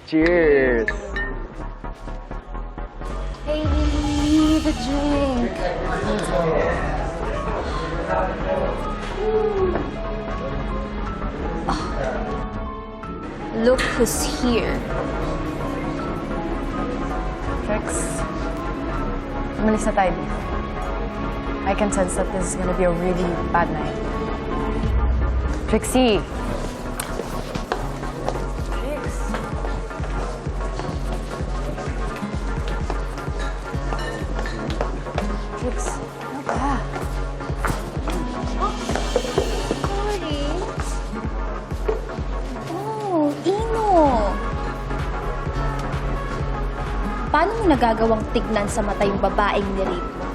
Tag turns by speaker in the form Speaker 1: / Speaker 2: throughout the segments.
Speaker 1: Cheers!
Speaker 2: Hey, Lily, the drink. Look who's here.
Speaker 3: Trix, umalis na tayo dito. I can sense that this is gonna be a really bad night. Trixie! Trix! Trix, ano ba?
Speaker 2: Sorry. Oh, Ino. Paano mo nagagawang tignan sa mata yung babaeng nirape mo?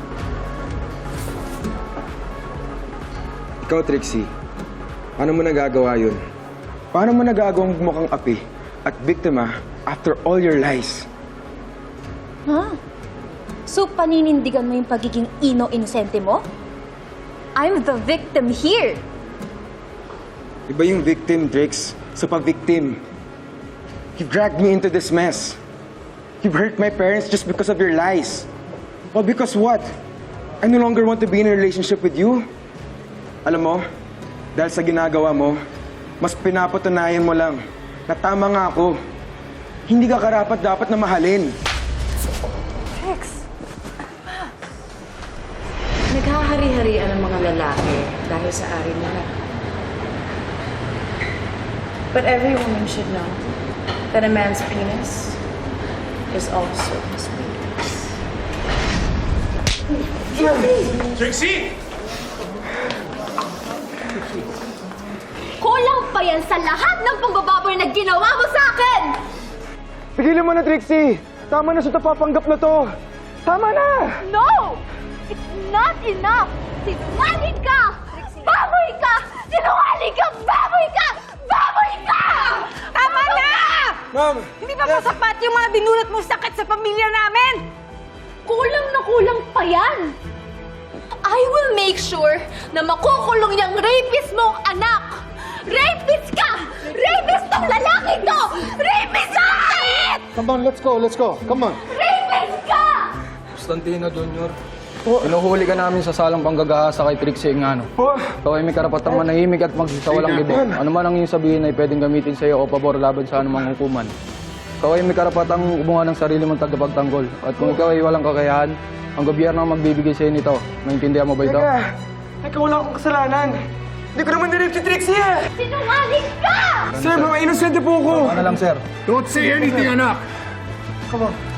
Speaker 1: Ikaw, Trixie. Paano mo nagagawa yun? Paano mo nagagawang mukhang api at biktima after all your lies?
Speaker 2: Huh? So, paninindigan mo yung pagiging ino-inosente mo? I'm the victim here.
Speaker 1: Iba yung victim, Trix, sa pa-victim. You've dragged me into this mess. You've hurt my parents just because of your lies. Well, because what? I no longer want to be in a relationship with you. Alam mo, dahil sa ginagawa mo, mas pinapatunayan mo lang na tama nga ako. Hindi ka karapat-dapat na mahalin.
Speaker 3: Trix!
Speaker 4: Naghahari-harian ang mga lalaki dahil sa ari nila. But every woman should know that a man's penis is also his weakness.
Speaker 5: Trixie!
Speaker 2: Kulang pa yan sa lahat ng pagbababoy na ginawa mo sa akin!
Speaker 1: Pigilan mo na, Trixie! Tama na sa tapapanggap na to! Tama na!
Speaker 2: No! It's not enough! Sinungaling ka! Baboy ka! Sinungaling ka! Baboy ka! Baboy ka!
Speaker 3: Tama na!
Speaker 1: Ma'am!
Speaker 3: Hindi pa sapat yung mga binulot mong sakit sa pamilya namin!
Speaker 2: Kulang na kulang pa yan! I will make sure na makukulong yung rapist mong anak! Rapist ka! Rapist tong lalaki to! Rapist ka!
Speaker 6: Come on, let's go. Come on.
Speaker 2: Rapist ka!
Speaker 7: Constantino Jr. Pinuhuli ka namin sa salang panggagahasa kay Trixie Engano. Ikaw ay may karapatang manahimik at magsawalang gibo. Ano man ang iyong sabihin ay pwedeng gamitin sa iyo o pabor laban sa anumang hukuman. Ikaw ay may karapatang kumuha ng sarili mong tagapagtanggol. At kung ikaw ay walang kakayahan, ang gobyerno ang magbibigay sa iyo nito. Maintindihan mo ba ito?
Speaker 1: Teka, wala akong kasalanan. Hindi ko naman nirip si Trixie eh!
Speaker 2: Sinungaling ka!
Speaker 1: Sir, mga inosente po ako!
Speaker 7: Ano lang, sir?
Speaker 5: Don't say anything, anak!
Speaker 1: Come on.